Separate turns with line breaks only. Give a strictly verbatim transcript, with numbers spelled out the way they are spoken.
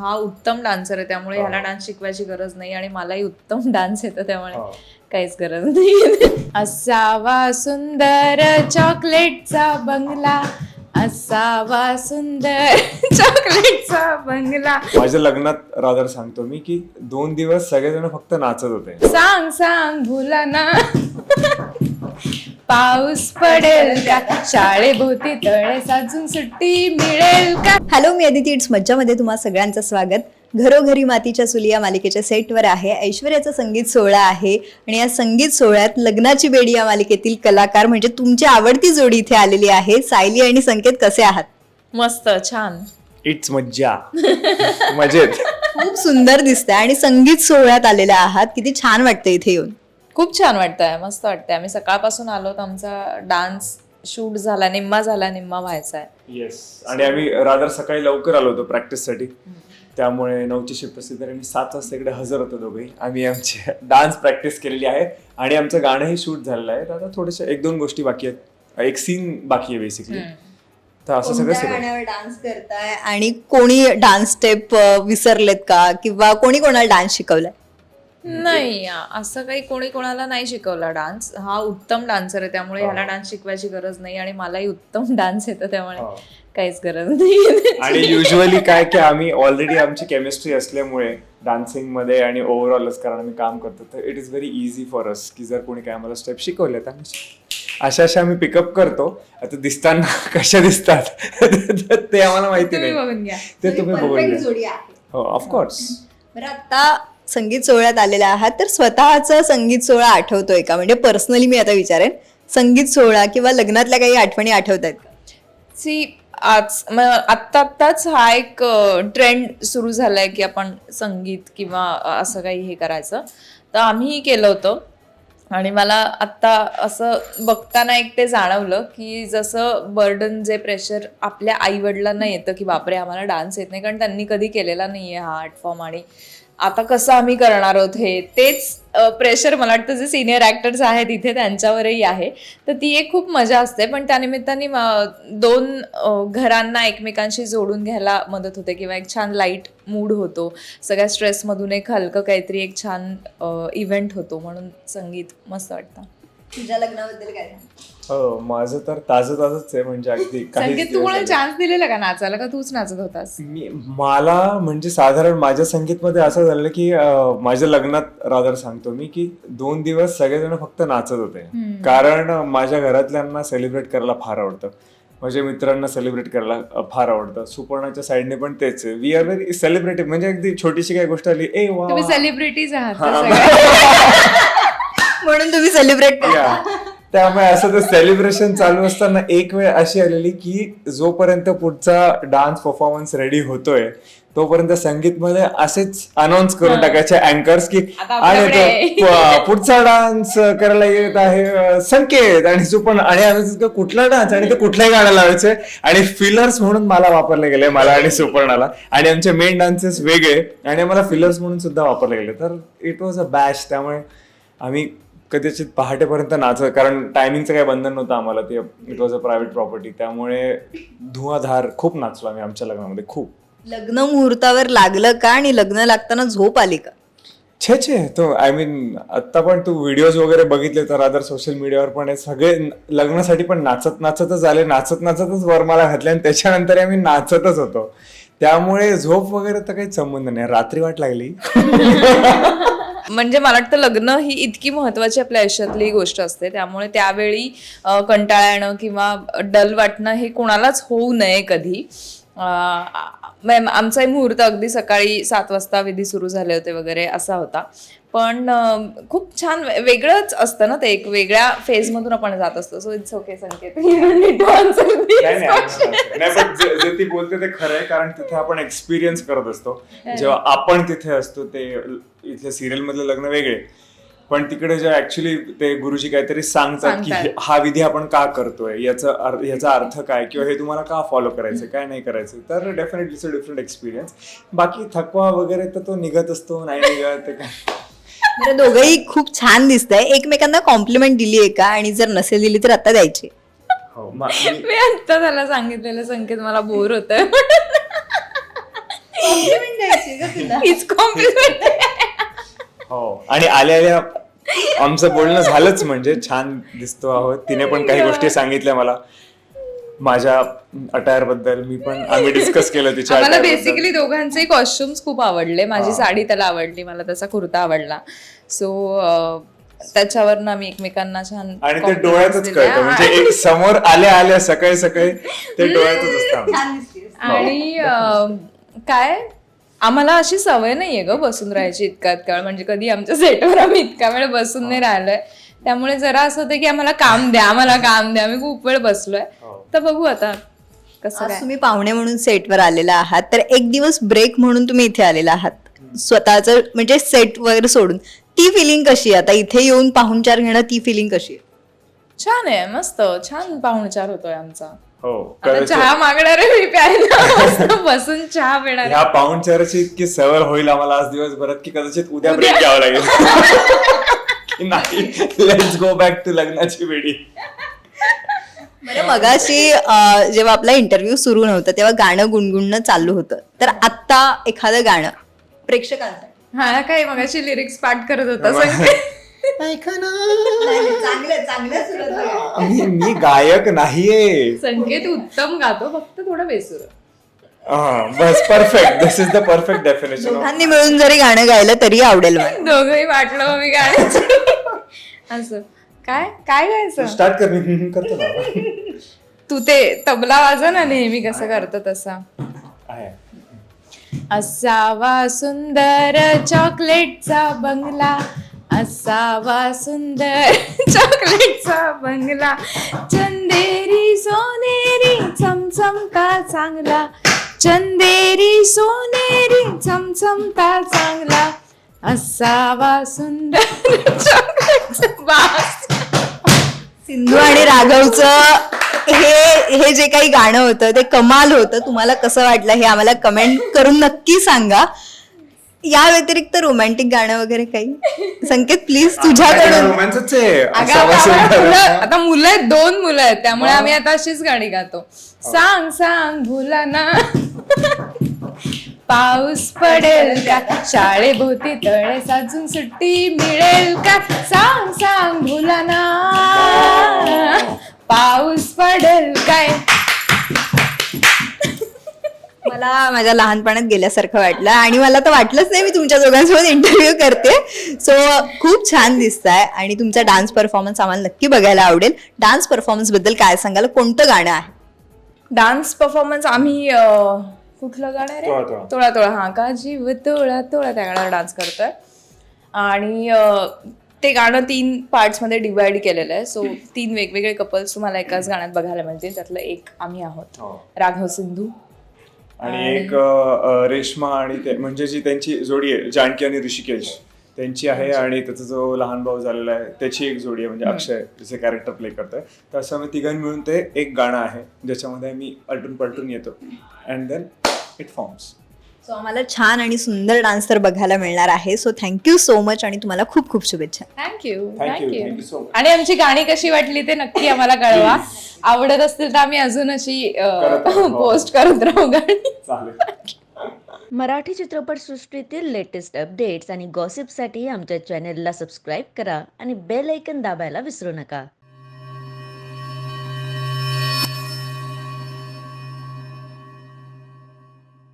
हा उत्तम डान्सर आहे, त्यामुळे ह्याला डान्स शिकवायची गरज नाही आणि मलाही उत्तम डान्स येतो, त्यामुळे काहीच गरज नाही. असावा सुंदर चॉकलेटचा बंगला, असावा सुंदर चॉकलेटचा बंगला.
माझ्या लग्नात रादर सांगतो मी की दोन दिवस सगळेजण फक्त नाचत होते.
सांग सांग भुला ना पाऊस पडेल का, शाळेभोवती तळे साजून सुट्टी मिळेल का.
हॅलो, मी अदिती. इट्स मज्जामध्ये तुम्हा सगळ्यांचं स्वागत. घरोघरी मातीच्या चुली या मालिकेच्या सेटवर आहे. ऐश्वर्याचा संगीत सोहळा आहे आणि या संगीत सोहळ्यात लग्नाची बेडी या मालिकेतील कलाकार म्हणजे तुमची आवडती जोडी इथे आलेली आहे. सायली आणि संकेत, कसे आहात?
मस्त, छान.
इट्स मज्जा. मजेत.
खूप सुंदर दिसतंय आणि संगीत सोहळ्यात आलेल्या आहात. किती छान वाटतं इथे येऊन.
खूप छान वाटतंय, मस्त वाटतंय. आम्ही सकाळपासून आलो, तर आमचा डान्स शूट झाला, निम्मा झाला, निम्मा व्हायचा आहे.
येस. आणि आम्ही रादर सकाळी लवकर आलो होतो प्रॅक्टिससाठी, त्यामुळे नऊची शिफ्ट असते तर आम्ही सात वाजता इकडे हजर होतो दोघे. आम्ही आमची डान्स प्रॅक्टिस केलेली आहे आणि आमचं गाणंही शूट झालेलं आहे. आता थोडेसे एक दोन गोष्टी बाकी आहेत, एक सीन बाकी आहे बेसिकली. तर असं सगळं
कोणत्या गाण्यावर डान्स करताय आणि कोणी डान्स स्टेप विसरलेत का, किंवा कोणी कोणाला डान्स शिकवलाय?
नाही, असं काही कोणी कोणाला नाही शिकवला डान्स. हा उत्तम डान्सर आहे, त्यामुळे ह्याला डान्स शिकवायची गरज नाही आणि मलाही उत्तम डान्स येतो, त्यामुळे काहीच गरज नाही.
आणि युजली काय की आम्ही ऑलरेडी आमची केमिस्ट्री असल्यामुळे डान्सिंग मध्ये आणि ओव्हरऑलच कारण आम्ही काम करतो, तर it is very easy for us की जर कोणी काय आम्हाला स्टेप शिकवले तर अशा अशा आम्ही पिकअप करतो. आता दिसताना कशा दिसतात ते आम्हाला माहिती नाही,
बघून घ्या,
ते तुम्ही बघून
जोडी
घ्या.
आहे.
हो, ऑफकोर्स.
बरं, आता संगीत सोहळ्यात आलेला आहात, तर स्वतःचा संगीत सोहळा आठवतोय का? म्हणजे पर्सनली मी आता विचारेन, संगीत सोहळा किंवा लग्नातल्या काही आठवणी आठवत आहेत का?
सी आज आत्ता आत्ताच हा एक ट्रेंड सुरू झालाय की आपण संगीत किंवा असं काही हे करायचं, तर आम्हीही केलं होतं. आणि मला आत्ता असं बघताना एक ते जाणवलं की जसं बर्डन, जे प्रेशर आपल्या आईवडिलांना येतं की बापरे आम्हाला डान्स येत नाही, कारण त्यांनी कधी केलेला नाही आहे हा आर्ट फॉर्म, आणि आता कसं आम्ही करणार आहोत हे, तेच प्रेशर मला वाटतं जे सिनियर ॲक्टर्स आहेत इथे त्यांच्यावरही आहे. तर ती एक खूप मजा असते, पण त्यानिमित्ताने दोन घरांना एकमेकांशी जोडून घ्यायला मदत होते किंवा एक छान लाईट मूड होतो. सगळ्या स्ट्रेसमधून एक हलकं काहीतरी एक छान इव्हेंट होतो, म्हणून संगीत मस्त वाटतं.
तुझ्या लग्नाबद्दल काय?
हो, माझं तर ताजं ताजंच आहे, म्हणजे अगदी
संगीत तू कोणाला चान्स दिलेला का नाचायला, का तूच नाचत होतास?
मी मला म्हणजे साधारण माझ्या संगीतमध्ये असं झालं की माझ्या लग्नात रादर सांगतो मी की दोन दिवस सगळेजण फक्त नाचत होते, कारण माझ्या घरातल्यांना सेलिब्रेट करायला फार आवडतं, माझ्या मित्रांना सेलिब्रेट करायला फार आवडतं. सुपर्णाच्या साईडने पण तेच आहे. वी आर व्हेरी सेलिब्रेटिव्ह, म्हणजे अगदी छोटीशी काही गोष्ट आली, ए वा,
तुम्ही सेलिब्रिटीज आहात
म्हणून तुम्ही सेलिब्रेट करा.
त्यामुळे असं तर सेलिब्रेशन चालू असताना एक वेळ अशी आलेली की जोपर्यंत पुढचा डान्स परफॉर्मन्स रेडी होतोय तोपर्यंत संगीतमध्ये असेच अनाऊन्स करून टाकायचे अँकर्स की आणि पुढचा डान्स करायला येत आहे संकेत आणि सुपर्ण, आणि आम्ही कुठला डान्स आणि ते कुठल्याही गाणं लावायचे, आणि फिलर्स म्हणून मला वापरले गेले, मला आणि सुपर्णाला, आणि आमचे मेन डान्सेस वेगळे आणि आम्हाला फिलर्स म्हणून सुद्धा वापरले गेले. तर इट वॉज अ बॅश. त्यामुळे आम्ही कदाचित पहाटेपर्यंत नाचत, कारण टायमिंगचं काही बंधन नव्हतं आम्हाला, ते it was a private property, त्यामुळे धुवाधार खूप नाचलो आम्ही आमच्या लग्नामध्ये, खूप.
लग्न मुहूर्तावर लागलं का आणि लग्न लागताना झोप आली का?
छे छे तो आय मीन आत्ता पण तू व्हिडिओज वगैरे बघितले तर अदर सोशल मीडियावर पण हे सगळे लग्नासाठी पण नाचत नाचतच आले, नाचत नाचतच वरमाला घातल्या आणि त्याच्यानंतर आम्ही नाचतच होतो. त्यामुळे झोप वगैरे तर काही संबंध नाही. रात्री वाट लागली.
म्हणजे मला वाटतं लग्न ही इतकी महत्वाची आपल्या आयुष्यातली गोष्ट असते, त्यामुळे त्यावेळी कंटाळा येणं किंवा डल वाटणं हे कोणालाच होऊ नये कधी. आमचाही मुहूर्त अगदी सकाळी सात वाजता विधी सुरू झाले होते वगैरे असा होता, पण खूप छान वेगळंच असतं ना ते, एक वेगळ्या फेज मधून आपण जात असतो. So it's okay Sanket.
जे ती बोलते ते खरं आहे, कारण तिथे आपण एक्सपिरियन्स करत असतो जेव्हा आपण तिथे असतो. ते इथल्या सिरियल मधले लग्न वेगळे, पण तिकडे जे ऍक्च्युली ते गुरुजी काहीतरी सांगतात की हा विधी आपण का करतोय, याचा याचा अर्थ काय, किंवा हे तुम्हाला का फॉलो करायचं, काय नाही करायचं, तर definitely it's a different experience. बाकी थकवा वगैरे तर तो निघत असतो, नाही निघत काय.
बरं, दोघंही खूप छान दिसतंय. एकमेकांना कॉम्प्लिमेंट दिली आहे का, आणि जर नसेल दिली तर आता द्यायची?
मी आता त्याला सांगितलेलं संकेत मला बोर होत हीच कॉम्प्लिमेंट.
हो आणि आल्या आल्या आमचं बोलणं झालंच, म्हणजे छान दिसतो आहोत. तिने पण काही गोष्टी सांगितल्या मला माझ्या अटायर बद्दल, मी पण आम्ही डिस्कस केलं तिच्या
मला
attire बद्दल.
बेसिकली दोघांचे कॉस्ट्युम्स खूप आवडले. माझी साडी त्याला आवडली, मला त्याचा कुर्ता आवडला. सो त्याच्यावरनं आम्ही एकमेकांना छान
आणि ते
compliments
डोळ्यातच
दिल्या.
कळतं, म्हणजे एक समोर आल्या आल्या सकाळी सकाळी ते डोळ्यातच असतं.
आणि अं, काय आम्हाला अशी सवय नाहीये ग बसून राहायची इतका इतका वेळ, म्हणजे कधी आमच्या सेटवर आम्ही इतका वेळ बसून नाही राहिलोय. त्यामुळे जरा असं होतं की आम्हाला काम द्या, आम्हाला काम द्या. आम्ही खूप वेळ बसलोय, तर बघू आता कसं
आज
काय.
तुम्ही पाहुणे म्हणून सेटवर आलेला आहात, तर एक दिवस ब्रेक म्हणून तुम्ही इथे आलेला आहात स्वतःच, म्हणजे सेट वगैरे सोडून. ती फिलिंग कशी आहे आता इथे येऊन पाहुणचार घेणं, ती फिलिंग कशी आहे?
छान आहे, मस्त छान पाहुणचार होतोय आमचा.
हो
आता
कदाचित
चहा मागणार आहे मी प्यायला, मस्त बसून चहा पिणार आहे.
ह्या पाहुणचाराची इतकी सवय होईल आम्हाला आज दिवसभरात की कदाचित उद्या ब्रेक घ्यावा लागेल. की नाही, लेट्स गो बॅक टू लग्नाची वेळी.
बरं, मगाशी अं, जेव्हा आपला इंटरव्ह्यू सुरू नव्हतं तेव्हा गाणं गुणगुणणं चालू होतं, तर आत्ता एखादं गाणं प्रेक्षकांसाठी.
हा काय मगाशी लिरिक्स पाठ करत होता संकेत.
मी मी गायक नाहीये.
संकेत उत्तम गातो, फक्त थोडं बेसूर.
हा, बस perfect. This is the perfect definition.
दोघांनी मिळून जरी गाणं गायलं तरी आवडेल मला.
दोघंही वाटलं मग मी गाण्याचं. असं काय काय गायचं.
स्टार्ट कर. मी करतो ना.
तू ते तबला वाजव ना नेहमी कसं करतो तसा.
आहे.
असावा सुंदर चॉकलेटचा बंगला, असावा सुंदर चॉकलेटचा बंगला, चंदेरी सोनेरी चमचमता चांगला, चंदेरी सोनेरी चमचमता चांगला, असावा सुंदर चॉकलेटचा बास.
सिंधू आणि राघवचं हे हे जे काही गाणं होतं ते कमाल होतं. तुम्हाला कसं वाटलं हे आम्हाला कमेंट करून नक्की सांगा. या व्यतिरिक्त रोमॅन्टिक गाणं वगैरे काही? संकेत प्लीज तुझ्याकडून.
रोमॅन्सच आहे.
अगं,
असावा
आता आम्हाला
सुंदर.
मुलं- आता मुलं आहेत, दोन मुलं आहेत, त्यामुळे आम्ही आता अशीच गाणी गातो. सांग सांग भुला ना, पाऊस पडेल का, शाळेभोवती तळे साजून सुट्टी मिळेल का, सांग सांग भुला ना, पाऊस पडेल काय.
मला माझ्या लहानपणात गेल्यासारखं वाटलं आणि मला तर वाटलंच नाही मी तुमच्या दोघांसोबत इंटरव्ह्यू करते. सो खूप छान दिसताय आणि तुमचा डान्स परफॉर्मन्स आम्हाला नक्की बघायला आवडेल. डान्स परफॉर्मन्स बद्दल काय सांगाल? कोणतं गाणं आहे?
डान्स परफॉर्मन्स आम्ही अं, कुठलं गाणं आहे
तोळा
रे?
तोळा.
तोळा तोळा हा का जीव तोळा तोळा, त्या गाण्यावर डान्स करतोय. आणि अं, ते गाणं तीन पार्ट्स मध्ये डिवाइड केलेलं आहे. सो तीन वेगवेगळे कपल्स तुम्हाला एकाच गाण्यात बघायला मिळतील. त्यातलं एक आम्ही आहोत,
हो.
राघव सिंधू.
आणि एक अ, रेश्मा आणि ते म्हणजे जी त्यांची जोडी आहे जानकी आणि ऋषिकेश त्यांची आहे, आणि त्याचा जो लहान भाऊ झालेला आहे त्याची एक जोडी आहे, म्हणजे अक्षय जे कॅरेक्टर प्ले करतोय. तर असं आम्ही तिघांनी मिळून ते एक गाणं आहे ज्याच्यामध्ये आम्ही अलटून पलटून येतो and then it forms.
So आम्हाला छान आणि सुंदर डान्स तर बघायला मिळणार आहे. सो थँक्यू सो मच आणि तुम्हाला खूप खूप शुभेच्छा.
Thank you
Thank you,
thank you.
thank you so much.
आणि आमची गाणी कशी वाटली ते नक्की आम्हाला कळवा. आवडत असतील तर आम्ही अजून अशी
करत राहू.
पोस्ट करत राहू गाणी.
चालेल.
मराठी चित्रपटसृष्टीतील लेटेस्ट अपडेट्स आणि गॉसिपसाठी आमच्या चॅनेलला सबस्क्राईब करा आणि बेल ऐकन दाबायला विसरू नका.